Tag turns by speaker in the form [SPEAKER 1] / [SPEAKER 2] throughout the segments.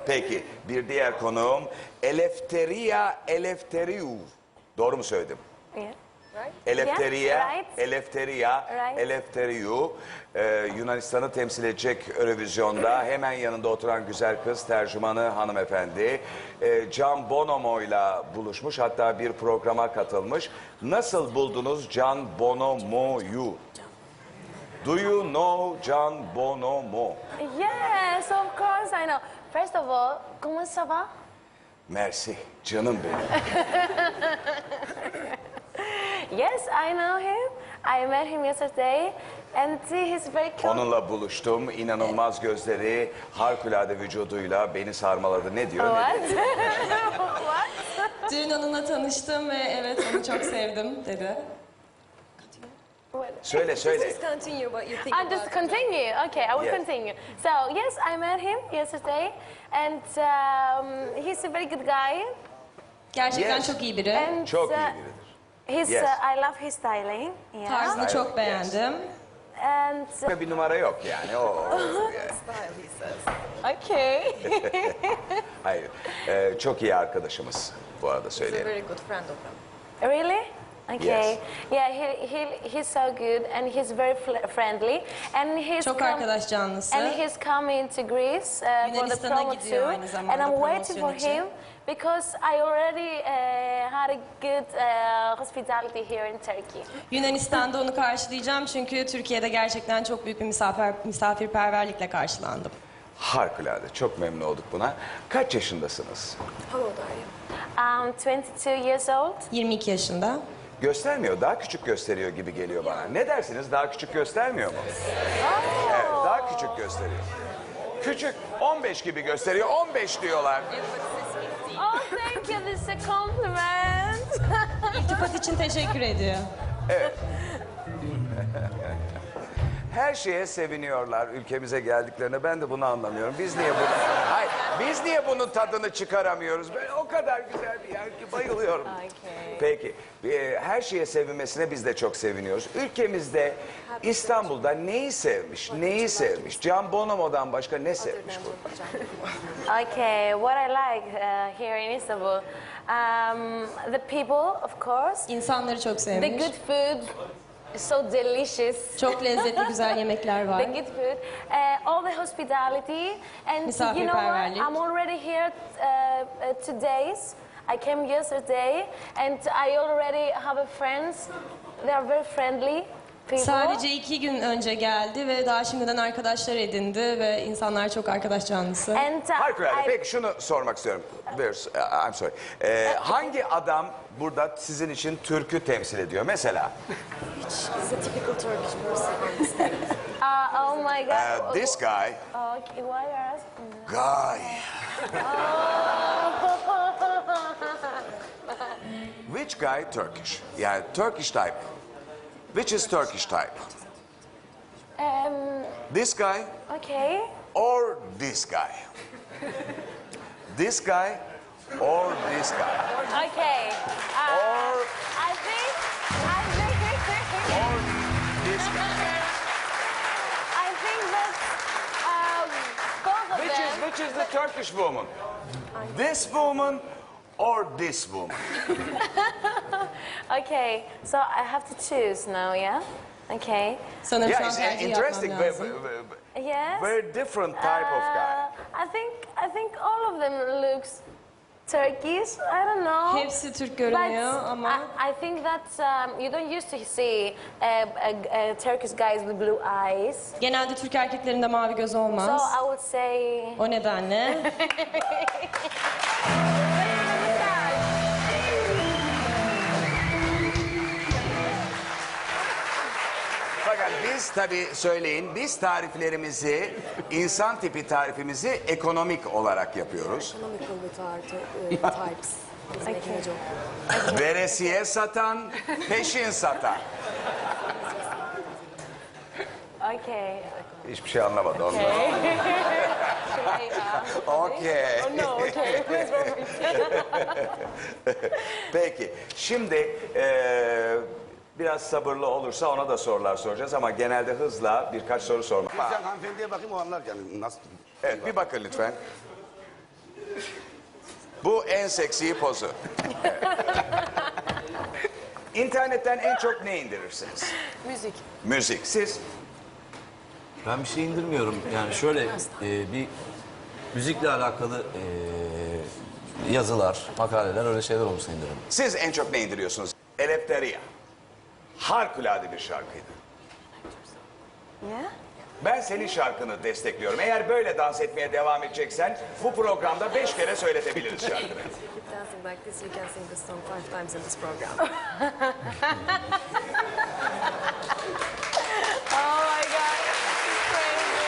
[SPEAKER 1] Peki bir diğer konuğum Eleftheria Eleftheriou. Doğru mu söyledim?
[SPEAKER 2] Yeah.
[SPEAKER 1] Eleftheria,
[SPEAKER 2] Yeah, right.
[SPEAKER 1] Eleftheria,
[SPEAKER 2] Right.
[SPEAKER 1] Eleftheriou. Yunanistan'ı temsil edecek Eurovision'da hemen yanında oturan güzel kız tercümanı hanımefendi. Can Bonomo'yla buluşmuş, hatta bir programa katılmış. Nasıl buldunuz Can Bonomo'yu? Do you know Can Bonomo?
[SPEAKER 2] Yes, of course I know. First of all, comment ça va?
[SPEAKER 1] Mersi, canım benim.
[SPEAKER 2] Yes, I know him. I met him yesterday, and he's very cute.
[SPEAKER 1] Onunla buluştum. İnanılmaz gözleri, harikulade vücuduyla beni sarmaladı. Ne diyor? Ne
[SPEAKER 2] What?
[SPEAKER 1] diyor?
[SPEAKER 2] What?
[SPEAKER 3] Dün onunla tanıştım ve evet onu çok sevdim dedi.
[SPEAKER 1] Söyle söyle.
[SPEAKER 4] Just continue what you think
[SPEAKER 2] I
[SPEAKER 4] about
[SPEAKER 2] just continue. Okay, I will
[SPEAKER 1] Yes.
[SPEAKER 2] continue. So yes, I met him yesterday, and he's a very good guy.
[SPEAKER 3] Gerçekten
[SPEAKER 1] Yes.
[SPEAKER 3] çok iyi biri.
[SPEAKER 2] And
[SPEAKER 1] Çok iyi biridir.
[SPEAKER 2] He's,
[SPEAKER 1] Yes.
[SPEAKER 2] I love his styling. Yeah.
[SPEAKER 3] Tarzını
[SPEAKER 1] Yes.
[SPEAKER 3] çok beğendim.
[SPEAKER 2] And
[SPEAKER 1] Bir numara yok yani. Yani.
[SPEAKER 4] style, he says.
[SPEAKER 2] okay.
[SPEAKER 1] Hayır. Çok iyi arkadaşımız bu arada
[SPEAKER 4] He's a
[SPEAKER 1] söyleyelim.
[SPEAKER 4] very good friend of them.
[SPEAKER 2] Really? Okay.
[SPEAKER 1] Yes.
[SPEAKER 2] Yeah, he's so good, and he's very friendly, and
[SPEAKER 3] Çok arkadaş canlısı.
[SPEAKER 2] and he's coming to Greece for the
[SPEAKER 3] Yunanistan'a
[SPEAKER 2] promo
[SPEAKER 3] gidiyor
[SPEAKER 2] too,
[SPEAKER 3] aynı zamanda
[SPEAKER 2] and I'm waiting for
[SPEAKER 3] promosyon için.
[SPEAKER 2] him because I already had a good hospitality here in Turkey.
[SPEAKER 3] Yunanistan'da onu karşılayacağım çünkü Türkiye'de gerçekten çok büyük bir misafirperverlikle karşılandım.
[SPEAKER 1] Harikulade. Çok memnun olduk buna. Kaç yaşındasınız?
[SPEAKER 4] How old are you?
[SPEAKER 2] I'm 22 years old.
[SPEAKER 3] 22 yaşında.
[SPEAKER 1] Göstermiyor. Daha küçük gösteriyor gibi geliyor bana. Ne dersiniz? Daha küçük göstermiyor mu? Evet, daha küçük gösteriyor. Küçük. 15 gibi gösteriyor. 15 diyorlar.
[SPEAKER 2] Oh, thank you. This is a compliment.
[SPEAKER 3] İltifat için teşekkür ediyor.
[SPEAKER 1] Her şeye seviniyorlar ülkemize geldiklerine. Ben de bunu anlamıyorum. Biz niye bunu... Hayır, biz niye bunun tadını çıkaramıyoruz? Böyle o kadar güzel bir yer ki bayılıyorum.
[SPEAKER 2] Okay.
[SPEAKER 1] Peki, her şeye sevinmesine biz de çok seviniyoruz. Ülkemizde, İstanbul'da neyi sevmiş, neyi sevmiş? Can Bonomo'dan başka ne sevmiş bu?
[SPEAKER 2] Okay, what I like here in Istanbul, the people, of course,
[SPEAKER 3] İnsanları çok
[SPEAKER 2] the
[SPEAKER 3] sevmiş.
[SPEAKER 2] good food, so delicious.
[SPEAKER 3] Çok lezzetli güzel yemekler var.
[SPEAKER 2] The good food, all the hospitality, and you know what?
[SPEAKER 3] Misafirperverlik.
[SPEAKER 2] I'm already here 2 days. I came yesterday, and I already have a friends. They are very friendly people.
[SPEAKER 3] Sadece 2 gün önce geldi ve daha şimdiden arkadaşlar edindi ve insanlar çok arkadaş canlısı.
[SPEAKER 2] And
[SPEAKER 1] Harikulade. Peki şunu sormak istiyorum. I'm sorry. Hangi adam burada sizin için Türk'ü temsil ediyor? Mesela?
[SPEAKER 4] He's a typical Turkish person on the stage.
[SPEAKER 2] oh my God.
[SPEAKER 1] This guy.
[SPEAKER 2] Okay, why are you asking that?
[SPEAKER 1] Guy. Which guy Turkish? Yani Turkish type. Which is Turkish type? This guy
[SPEAKER 2] Okay.
[SPEAKER 1] or this guy? This guy or this guy?
[SPEAKER 2] Okay.
[SPEAKER 1] Or
[SPEAKER 2] I think
[SPEAKER 1] or this guy?
[SPEAKER 2] I think that both of them.
[SPEAKER 1] Which is the Turkish woman? This woman or this woman?
[SPEAKER 2] Okay, so I have to choose now, yeah? Okay.
[SPEAKER 3] Sanırım şu
[SPEAKER 1] Yeah,
[SPEAKER 3] an
[SPEAKER 1] it's
[SPEAKER 3] tercih
[SPEAKER 1] interesting.
[SPEAKER 3] yapmam lazım.
[SPEAKER 2] Yes.
[SPEAKER 1] Very different type of guy.
[SPEAKER 2] I think all of them looks Turkish. I don't know.
[SPEAKER 3] Hepsi Türk görünüyor
[SPEAKER 2] But
[SPEAKER 3] ama
[SPEAKER 2] I think that you don't used to see Turkish guys with blue eyes.
[SPEAKER 3] genelde Türk erkeklerinde mavi göz
[SPEAKER 2] So
[SPEAKER 3] olmaz.
[SPEAKER 2] I would say.
[SPEAKER 3] O nedenle
[SPEAKER 1] Fakat biz tabii söyleyin, biz tariflerimizi, insan tipi tarifimizi ekonomik olarak yapıyoruz.
[SPEAKER 4] Economical with our types. He's making a joke.
[SPEAKER 1] Veresiye satan, peşin satan.
[SPEAKER 2] Okay.
[SPEAKER 1] Hiçbir şey anlamadı ondan. Okey.
[SPEAKER 2] Oh no, okay. Please don't repeat.
[SPEAKER 1] Peki, şimdi biraz sabırlı olursa ona da sorular soracağız ama genelde hızla birkaç soru sormak.
[SPEAKER 5] Sen hanımefendiye bakayım o anlar yani nasıl?
[SPEAKER 1] Evet, bir bakın lütfen. Bu en seksi pozu. İnternetten en çok ne indirirsiniz?
[SPEAKER 4] Müzik.
[SPEAKER 1] Müzik. Siz?
[SPEAKER 5] Ben bir şey indirmiyorum. Yani şöyle bir müzikle alakalı yazılar, makaleler öyle şeyler olursa indiririm.
[SPEAKER 1] Siz en çok ne indiriyorsunuz? Eleftheria. Harikulade bir şarkıydı.
[SPEAKER 2] Yeah?
[SPEAKER 1] Ben senin şarkını destekliyorum. Eğer böyle dans etmeye devam edeceksen bu programda 5 kere söyletebiliriz şarkını.
[SPEAKER 4] Keep dancing like this, you can sing this song 5 times in this program.
[SPEAKER 2] Oh my God. Crazy.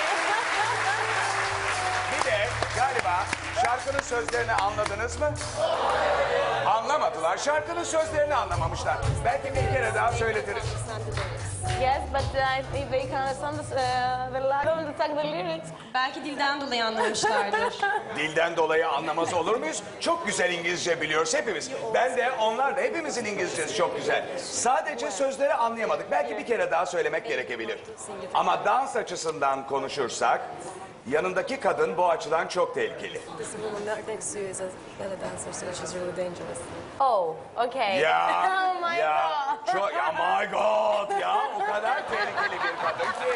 [SPEAKER 1] Bir de galiba şarkının sözlerini anladınız mı? Anlamadılar. Şarkının sözlerini anlamamışlar. Belki bir kere daha söyletiriz.
[SPEAKER 2] Yes, but if they can understand the lyrics.
[SPEAKER 3] Belki dilden dolayı anlamışlardır.
[SPEAKER 1] Dilden dolayı anlamaz olur muyuz? Çok güzel İngilizce biliyoruz hepimiz. Ben de onlar da hepimizin İngilizcesi çok güzel. Sadece sözleri anlayamadık. Belki bir kere daha söylemek gerekebilir. Ama dans açısından konuşursak yanındaki kadın bu açıdan çok tehlikeli.
[SPEAKER 4] This woman next to you is a belly dancer, so she's really dangerous.
[SPEAKER 2] Oh, okay.
[SPEAKER 1] Ya,
[SPEAKER 2] Oh my
[SPEAKER 1] ya,
[SPEAKER 2] God.
[SPEAKER 1] çok, ya my God ya o kadar tehlikeli bir kadın ki.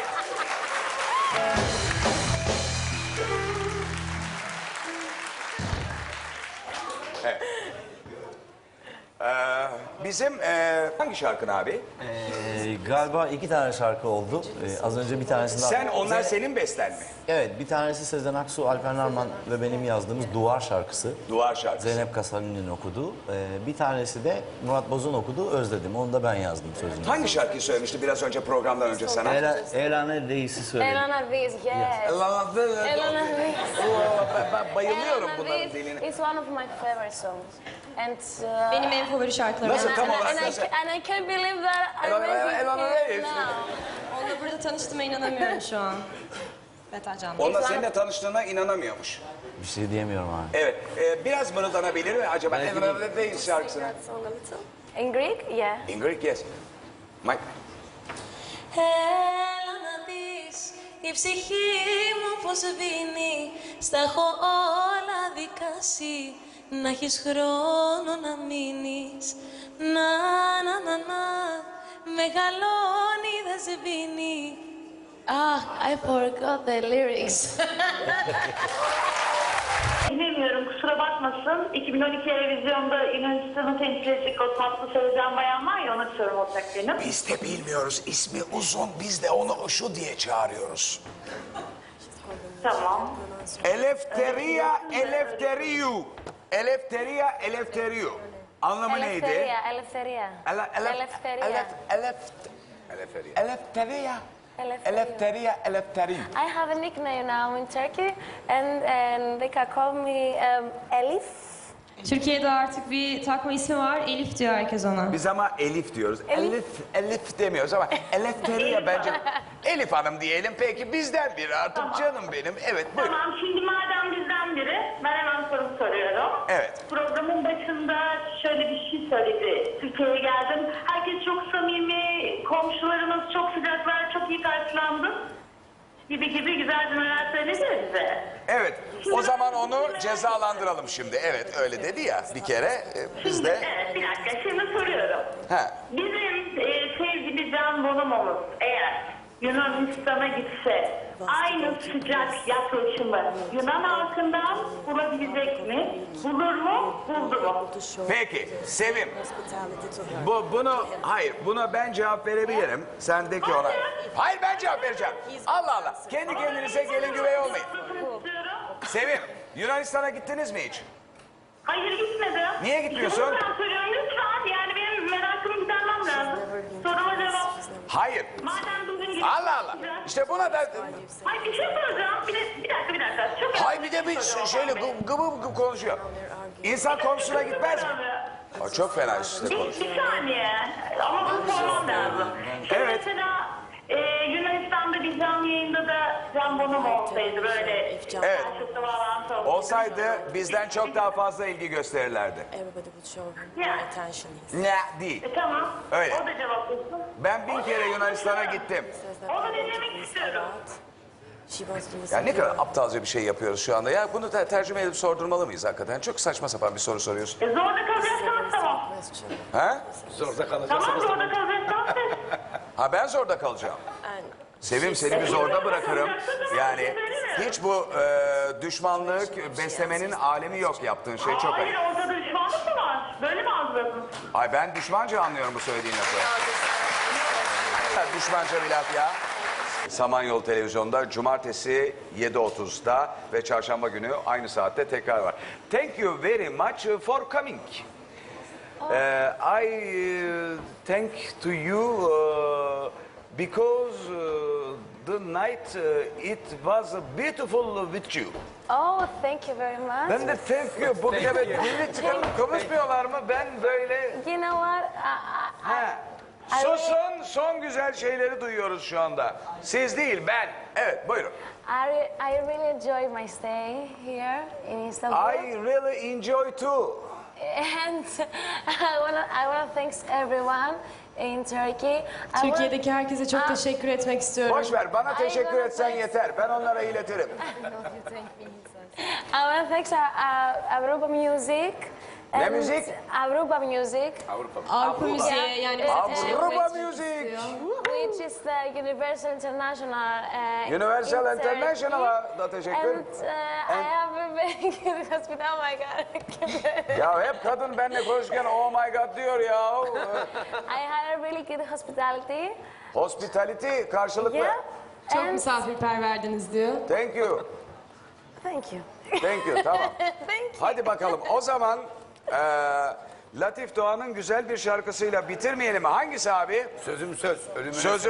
[SPEAKER 1] Evet. Bizim hangi şarkın abi?
[SPEAKER 5] Galiba 2 tane şarkı oldu. Az önce bir tanesini...
[SPEAKER 1] Onlar senin besten mi?
[SPEAKER 5] Evet, bir tanesi Sezen Aksu, Alper Narman ve benim yazdığımız Duvar şarkısı.
[SPEAKER 1] Duvar şarkısı.
[SPEAKER 5] Zeynep Kasabi'nin okuduğu. Bir tanesi de Murat Boz'un okuduğu Özledim. Onu da ben yazdım sözünü.
[SPEAKER 1] Hangi şarkıyı söylemişti biraz önce programdan önce sana?
[SPEAKER 5] Elane Reis'i söyledim.
[SPEAKER 2] Elena Viz, yes. Elena Viz.
[SPEAKER 1] Ben bayılıyorum
[SPEAKER 2] Elena
[SPEAKER 1] bunların
[SPEAKER 2] Viz
[SPEAKER 1] diline.
[SPEAKER 2] is one of my favorite songs. And
[SPEAKER 3] Benim en favori şarkılarım.
[SPEAKER 1] Nasıl tam olarak nasıl?
[SPEAKER 2] and I can't believe that I
[SPEAKER 1] Elena
[SPEAKER 2] met
[SPEAKER 1] Viz.
[SPEAKER 2] you now.
[SPEAKER 3] Onunla burada tanıştığıma inanamıyorum şu an. Betercan Bey.
[SPEAKER 1] Onunla seninle tanıştığına inanamıyormuş.
[SPEAKER 5] Bir şey diyemiyorum abi.
[SPEAKER 1] Evet. Biraz mırıldanabilir mi acaba? Elena Viz şarkısını.
[SPEAKER 4] That song a little.
[SPEAKER 2] In Greek, yeah.
[SPEAKER 1] In Greek, yes. Mike.
[SPEAKER 6] Έλα να δεις η ψυχή μου πως βίνει. Στα έχω όλα δικάσει. Να έχεις χρόνο να μείνεις. Να, να, να, να. Μεγαλώνει δεν σβήνει.
[SPEAKER 2] Ah, I forgot the lyrics.
[SPEAKER 7] Bilmiyorum, kusura bakmasın. 2012 Eurovizyon'da Yunanistan'ı temsil edecek o tatlı Sezen Bayan var ya, ona sorum olacak benim.
[SPEAKER 1] Biz de bilmiyoruz. İsmi uzun. Biz de onu şu diye çağırıyoruz.
[SPEAKER 7] Tamam.
[SPEAKER 1] Eleftheria eleftheriou. Eleftheria eleftheriou. Anlamı neydi?
[SPEAKER 2] Eleftheria, Eleftheria. Eleftheria.
[SPEAKER 1] Eleftheria.
[SPEAKER 2] Eleftheria.
[SPEAKER 1] Eleftheriou.
[SPEAKER 2] I have a nickname now in Turkey, and they can call me Elif.
[SPEAKER 3] Türkiye'de artık bir takma ismi var. Elif diyor herkes ona.
[SPEAKER 1] Biz ama Elif diyoruz. Elif demiyoruz ama Eleftheria bence. Elif Hanım diyelim peki bizden biri artık canım benim. Evet buyurun.
[SPEAKER 7] Tamam, şimdi madem bizden biri, ben hemen soru soruyorum.
[SPEAKER 1] Evet.
[SPEAKER 7] Programın başında şöyle bir şey söyledi. Türkiye'ye geldim. Herkes çok samimi, komşularımız çok sıcaklar, çok iyi karşılandım. Gibi güzel cümleler söyledi ya bize.
[SPEAKER 1] Evet. O zaman onu cezalandıralım şimdi. Evet öyle dedi ya bir kere biz de.
[SPEAKER 7] Evet, bir dakika, şimdi soruyorum.
[SPEAKER 1] Ha.
[SPEAKER 7] Bizim sevgili Can Bonomo'muz eğer Yunanistan'a gitse aynı sıcak yaklaşımı Yunan halkından bulabilecek mi? Bulur mu? Buldu mu?
[SPEAKER 4] To show
[SPEAKER 1] Peki Sevim.
[SPEAKER 4] hospitality to her.
[SPEAKER 1] Buna ben cevap verebilirim. Sen de ki ona. Hayır ben cevap vereceğim. Allah Allah. Kendi kendinize gelin güvey olmayın.
[SPEAKER 7] İstiyorum.
[SPEAKER 1] Sevim, Yunanistan'a gittiniz mi hiç?
[SPEAKER 7] Hayır, gitmedim.
[SPEAKER 1] Niye gitmiyorsun?
[SPEAKER 7] İşte bunu ben soruyorum lütfen. Yani benim merakımı gidermem lazım. Soruma cevap.
[SPEAKER 1] Hayır.
[SPEAKER 7] Madem bugün gittim.
[SPEAKER 1] Allah Allah. İşte buna da...
[SPEAKER 7] Hayır, bir şey soracağım. Bir dakika. Çok
[SPEAKER 1] Hay bir de bir şöyle gıbı konuşuyor. İnsan komşusuna gitmez mi? O çok fena işte konuşuyor.
[SPEAKER 7] Bir saniye. Ama bunu sormam lazım. Şimdi
[SPEAKER 1] Evet.
[SPEAKER 7] mesela Yunanistan'da bir canlı yayında da Can Bonomo olsaydı böyle
[SPEAKER 1] Evet.
[SPEAKER 7] karşılıklı bağlantı
[SPEAKER 1] Olsaydı bizden çok daha fazla ilgi gösterirlerdi.
[SPEAKER 4] Everybody would show him
[SPEAKER 7] Yeah.
[SPEAKER 4] more attention.
[SPEAKER 1] Ne değil.
[SPEAKER 7] Tamam.
[SPEAKER 1] Öyle.
[SPEAKER 7] O da cevaplasın.
[SPEAKER 1] Ben 1000 kere Yunanistan'a gittim.
[SPEAKER 4] Says that
[SPEAKER 7] Onu
[SPEAKER 4] people
[SPEAKER 7] dinlemek
[SPEAKER 4] do this a
[SPEAKER 7] istiyorum.
[SPEAKER 4] lot. She wants to
[SPEAKER 1] Ya
[SPEAKER 4] listen
[SPEAKER 1] ne
[SPEAKER 4] to
[SPEAKER 1] kadar
[SPEAKER 4] you.
[SPEAKER 1] aptalca bir şey yapıyoruz şu anda. Ya bunu tercüme edip sordurmalı mıyız hakikaten? Çok saçma sapan bir soru soruyorsun.
[SPEAKER 7] Zorda kalacaksanız tamam.
[SPEAKER 4] Question.
[SPEAKER 1] Ha?
[SPEAKER 7] Tamam zorda kalacaksanız.
[SPEAKER 1] Ha ben zorda kalacağım. Sevim seni bir zorda bırakırım. Yani hiç bu düşmanlık beslemenin alemi yok, yaptığın şey çok
[SPEAKER 7] Hayır
[SPEAKER 1] ayıp.
[SPEAKER 7] ortada düşmanlık mı var? Böyle mi algıladın?
[SPEAKER 1] Ay ben düşmanca anlıyorum bu söylediğin lafı. Düşmanca bir laf ya. Samanyolu Televizyon'da cumartesi 7.30'da ve çarşamba günü aynı saatte tekrar var. Thank you very much for coming. I thank to you because the night it was beautiful with you.
[SPEAKER 2] Oh, thank you very much.
[SPEAKER 1] Ben de thank you. Bu evet dili çıkarıp konuşmuyorlar mı? Ben böyle...
[SPEAKER 2] You know what?
[SPEAKER 1] Ha. Susun, son güzel şeyleri duyuyoruz şu anda. Siz değil, ben. Evet, buyurun.
[SPEAKER 2] I really enjoyed my stay here in Istanbul.
[SPEAKER 1] I really enjoy too.
[SPEAKER 2] And I wanna thank everyone in Turkey.
[SPEAKER 3] Türkiye'deki herkese çok teşekkür etmek istiyorum.
[SPEAKER 1] Boş ver, bana teşekkür etsen yeter. Ben onlara iletirim.
[SPEAKER 2] I wanna thank Avrupa Music.
[SPEAKER 1] Ne
[SPEAKER 2] and
[SPEAKER 1] müzik?
[SPEAKER 2] Avrupa Music,
[SPEAKER 3] Avrupa Müziği yani bize teşekkür
[SPEAKER 1] Avrupa
[SPEAKER 3] etmek
[SPEAKER 1] Music.
[SPEAKER 2] which is the Universal International.
[SPEAKER 1] Universal
[SPEAKER 2] in Turkey.
[SPEAKER 1] International'a da teşekkür.
[SPEAKER 2] And I have a very good hospital. Oh my God.
[SPEAKER 1] Ya hep kadın benimle konuşurken oh my god diyor ya.
[SPEAKER 2] I had a really good hospitality.
[SPEAKER 1] Hospitality karşılıklı.
[SPEAKER 2] Yeah.
[SPEAKER 3] Çok
[SPEAKER 2] And
[SPEAKER 3] misafirperverdiniz diyor.
[SPEAKER 1] Thank you.
[SPEAKER 2] thank you.
[SPEAKER 1] Thank you, tamam.
[SPEAKER 2] Thank you.
[SPEAKER 1] Hadi bakalım o zaman Latif Doğan'ın güzel bir şarkısıyla bitirmeyelim mi? Hangisi abi?
[SPEAKER 8] Sözüm söz, ölümüne
[SPEAKER 1] Sözüm